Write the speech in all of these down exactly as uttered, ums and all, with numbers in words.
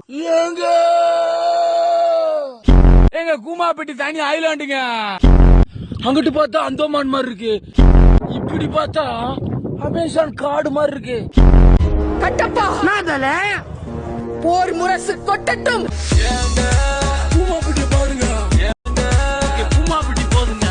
ஏங்க எங்க கூமாப்பட்டி தனி ஐலாண்டுங்க. அங்கிட்டு பார்த்தா அந்தோமான் மாதிரி இருக்கு, இப்படி பார்த்தா அமேசான் காடு மாதிரி இருக்கு. கட்டப்பா போர் முரசு கொட்டட்டும். கூமாப்பட்டி பாருங்க, கூமாப்பட்டி போதுங்க.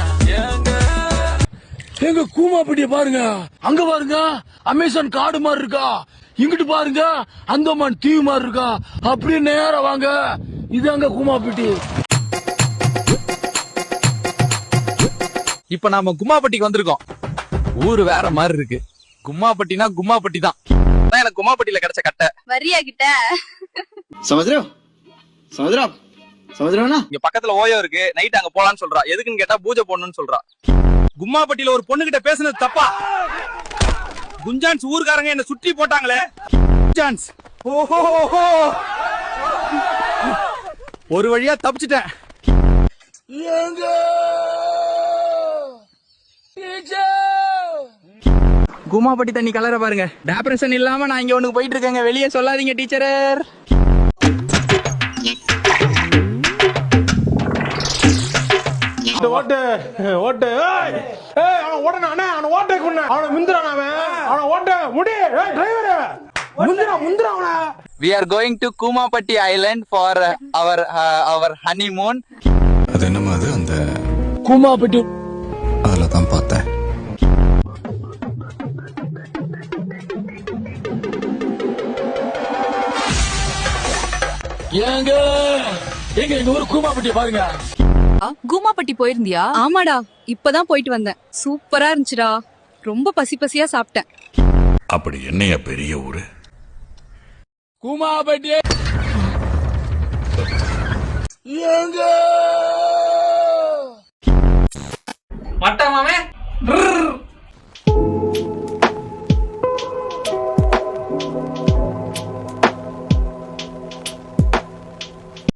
எங்க கூமாப்பட்டிய பாருங்க, அங்க பாருங்க அமேசான் காடு மாதிரி இருக்கா, இங்கிட்டு பாருங்க அந்தோமான் தீவு மாதிரி இருக்கா. அப்படியே நேரா வாங்க, இது அங்க கூமாப்பட்டி. இப்ப நாம கும்மாப்பட்டிக்கு வந்திருக்கோம். ஊரு வேற மாதிரி இருக்கு. கும்மாப்பட்டினா கும்மாப்பட்டி தான். எனக்கு கும்மாப்பட்டியில கிடைச்ச கட்டை வரியா கிட்ட சமுதிரம் சமுதிரம் சமுதிரம்னா இங்க பக்கத்துல ஓயோ இருக்கு. நைட் அங்க போலான்னு சொல்றா. எதுக்குன்னு கேட்டா பூஜை போடணும்னு சொல்றா. கும்மாப்பட்டியில ஒரு பொண்ணு கிட்ட பேசுனது தப்பா? குஞ்சான்ஸ் ஊர்காரங்க என்ன சுற்றி போட்டாங்களே. குஞ்சான்ஸ் ஓஹோ ஒரு வழியா தப்பிச்சிட்டேன். ஏங்க கும்மாப்பட்டி தண்ணி கலர பாருங்க. டெப்ரஷன் இல்லாம நான் இங்க ஒண்ணு போயிட்டு இருக்கேங்க. வெளியே சொல்லாதீங்க டீச்சரர். ஓட்டு ஓட்டு அவன் ஓடனா அவன் ஓட்டை கொண்டு அவனை முந்திரான். அவன் அவனை ஓட்ட முடி டிரைவர் முந்திரா முந்திரா அவனை. We are going to Kumapatti Island for uh, our uh, our honeymoon. அது என்னமா அது அந்த கூமாப்பட்டி அதில் தான் பார்த்தேன். ஏங்க எங்க எங்க ஊர் கூமாப்பட்டி பாருங்க. கூமாப்பட்டி போயிருந்தியா? ஆமாடா, இப்பதான் போயிட்டு வந்தேன். சூப்பரா இருந்துச்சுடா. ரொம்ப பசி பசியா சாப்பிட்டேன். அப்படி என்னையா பெரிய ஊரு? கூமாப்பட்டி ஏங்க மட்டமாமே